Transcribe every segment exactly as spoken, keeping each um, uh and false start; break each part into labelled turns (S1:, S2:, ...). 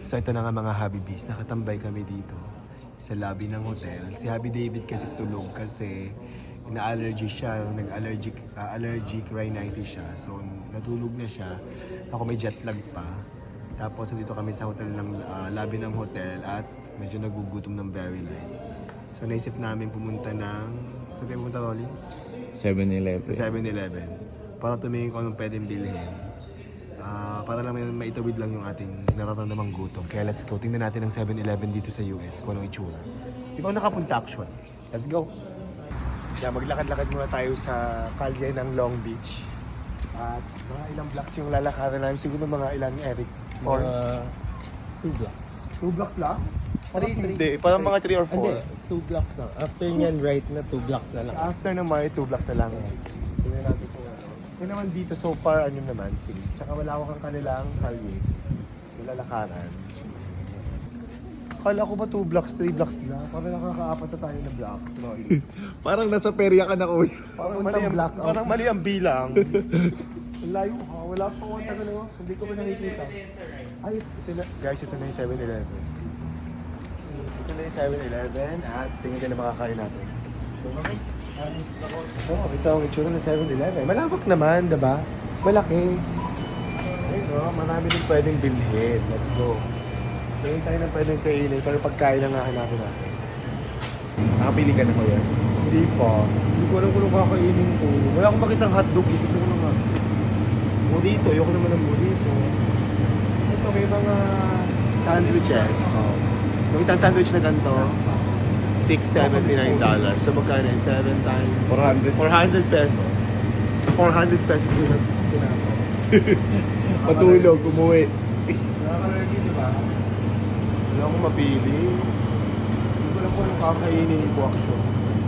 S1: So ito na nga mga Habibis, nakatambay kami dito sa lobby ng hotel. Si Habi David kasi tulog kasi ina-allergy siya, nag-allergic uh, allergic rhinitis siya. So natulog na siya. Ako may jet lag pa. Tapos dito kami sa hotel ng uh, lobby ng hotel at medyo nagugutom ng very light. So naisip namin pumunta ng saan tayo pumunta, Rolly?
S2: seven eleven.
S1: Sa seven eleven. Para tumingin ko anong pwedeng bilhin. Uh, para lang may maitawid lang yung ating nararamdamang gutom. Kaya let's go. Tingnan natin ang seven eleven dito sa U S kung anong itsura. Di ba ako nakapunta actually? Let's go. Yeah, maglakad-lakad muna tayo sa kalye ng Long Beach. At mga ilang blocks yung lalakaran namin. Siguro mga ilang, Eric? Or
S2: Mga two blocks.
S1: two blocks lang? Parang
S2: Three,
S1: hindi. Parang mga three or four.
S2: Hindi, two blocks lang. After nyan, right na two blocks na lang.
S1: After naman, two blocks na lang. Tingnan natin kung ano. Kaya naman dito, so far, ano naman, safe. Tsaka wala ko kang kanilang kalye. Nilalakaran. Kala ko ba two blocks, three blocks na? Parang nakakaapat na tayo na blocks. Sorry.
S2: Parang nasa perya ka na, kuya.
S1: Parang mali ang, parang mali ang bilang. Ang layo ha. Wala pa akong tagal mo. Hindi ko ba nakikita? Ay, ito na. Guys, ito na yung seven eleven. Ito na yung seven eleven at tingnan ka na makakain natin. Oh, ito ang itsura ng seven eleven. Malawak naman, diba? Malaki. Ayun o, marami din pwedeng bilhin. Let's go. Tingin tayo na pwedeng kainin, pero pagkain lang nga hanapin natin.
S2: Nakapili ka na, kuya?
S1: Hindi pa. Hindi ko alam kung anong kakainin ko. Wala akong makitang hotdog. Ito ko na nga. Burrito. Ayoko naman ng burrito. Ito may mga sandwiches. Oh. Yung isang sandwich na ganito, six seventy-nine dollars. So magkano yun? seven times?
S2: four hundred.
S1: four hundred pesos. four hundred pesos yun ang tinapay.
S2: Patulog, umuwi.
S1: Nakaka-ready, di ba? Wala akong mapili. Hindi ko alam kung anong kakainin ko actually.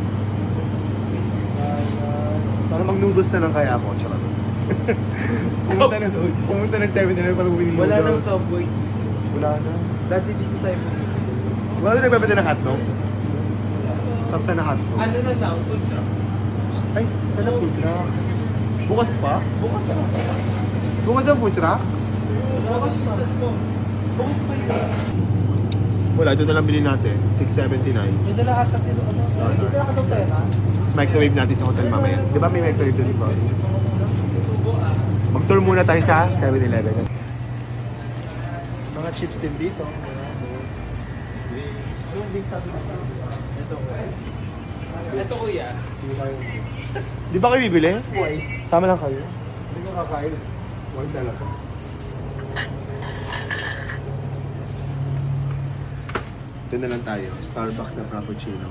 S1: Para mag-noodles na lang kaya ako, charot. pumunta ng pumunta ng seven eleven para bumili
S2: Wala nang
S1: noodles.
S2: Subway.
S1: Wala na.
S2: Dati dito tayo pumunta.
S1: Wala na nagbebenta ng hotdog? Sapsa na hotdog.
S2: Ano na lang, food truck.
S1: Ay, saan ang food truck? Bukas pa?
S2: Bukas na lang.
S1: Bukas ang food truck?
S2: Bukas pa. Bukas pa yun.
S1: Wala, ito na lang bilhin natin. six seventy-nine.
S2: May dala ata sila. Ano? May dala ka daw pera.
S1: Tapos microwave natin sa hotel mamaya. Di ba may microwave doon, di ba? Mag-tour muna tayo sa seven eleven. Mga chips din dito.
S2: Ito kuya. Ito kuya.
S1: Di ba kayo bibili?
S2: Why?
S1: Tama lang kayo. Hindi ko kakain. One talaga. Ito na lang tayo. Starbucks na Frappuccino.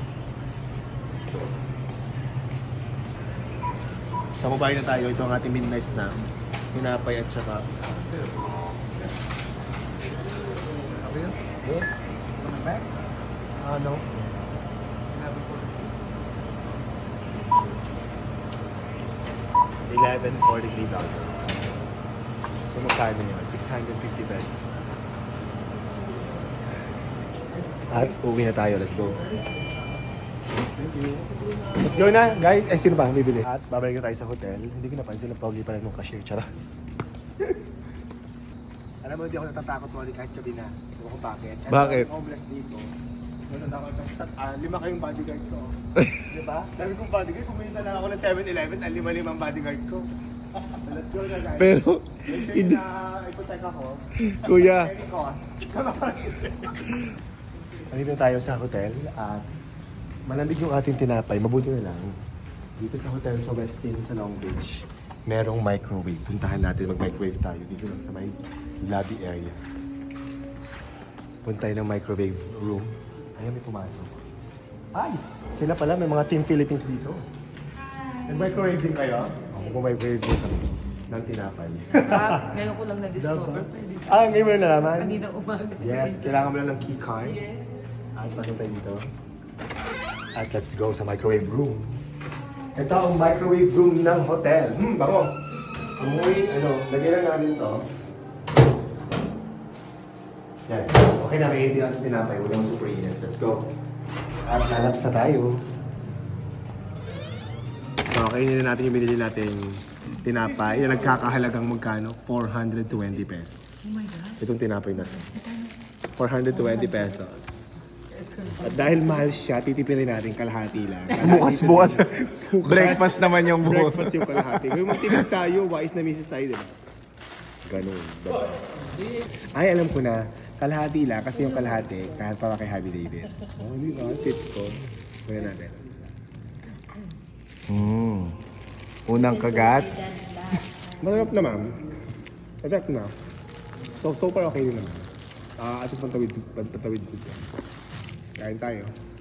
S1: Sa mobile na tayo. Ito ang ating midnight snack. Tinapay at saka... Okay yun? Good? Ano? eleven forty-three dollars. So magkano yun? six hundred fifty pesos. At uwi na tayo. Let's go. Thank you. Let's go na, guys. Eh, sino ba ang bibili? At babalik na tayo sa hotel. Hindi ko napansin ang pogi pa rin ng cashier. Charot. Alam mo, hindi ako natatakot mo kahit gabi na. Hindi ko bakit. At
S2: Bakit?
S1: ang homeless dito. Natatakot ako. Ah, lima kayong bodyguard ko. Di ba? Dami kong bodyguard. Pumunta lang ako ng seven eleven. Ang lima-limang bodyguard ko. So, let's go na, guys.
S2: Pero,
S1: Make sure
S2: hindi-
S1: na iprotect ako.
S2: kuya,
S1: Any cost. Nandito tayo sa hotel at malamig yung ating tinapay. Mabuti na lang. Dito sa hotel sa Westin sa Long Beach, merong microwave. Puntahan natin, mag-microwave tayo dito lang sa may lobby area. Punta tayo ng microwave room. Ayan, may pumasok. Ay! Sila pala, may mga Team Philippines dito. Nag-microwave din kayo? Ako microwave din kami ng tinapay.
S3: Ah, ngayon ko lang na-discover. Pwede.
S1: Ah, ngayon mo na nalaman?
S3: Kanina umaga.
S1: Yes, kailangan mo lang ng key card. At pasok tayo dito. At let's go sa microwave room. Ito ang microwave room ng hotel. Hmm, bako. Amoy, ano, lagay lang natin to. Yan. Okay na, may hindi natin tinapay. Huwag yung super init. Let's go. At lalaps na tayo. So, kainin na natin yung binili natin tinapay. Yung nagkakahalagang magkano? four hundred twenty pesos.
S3: Oh my God.
S1: Itong tinapay na to. four hundred twenty pesos. At dahil mahal siya, titipirin natin kalahati lang.
S4: Bukas, bukas. Breakfast naman yung bukas.
S1: Breakfast yung kalahati. Kung magtipid tayo, wise na misis tayo, diba? Ganun. Diba? Ay, alam ko na. Kalahati lang kasi yung kalahati, kahit para kay Happy David. Oh, di ba? Sit ko. Muna natin.
S4: Mm. Unang kagat.
S1: Masarap na, ma'am. Sarap na. So, so far okay din naman. Ah, at least pantawid, pantawid ko. Kain tayo.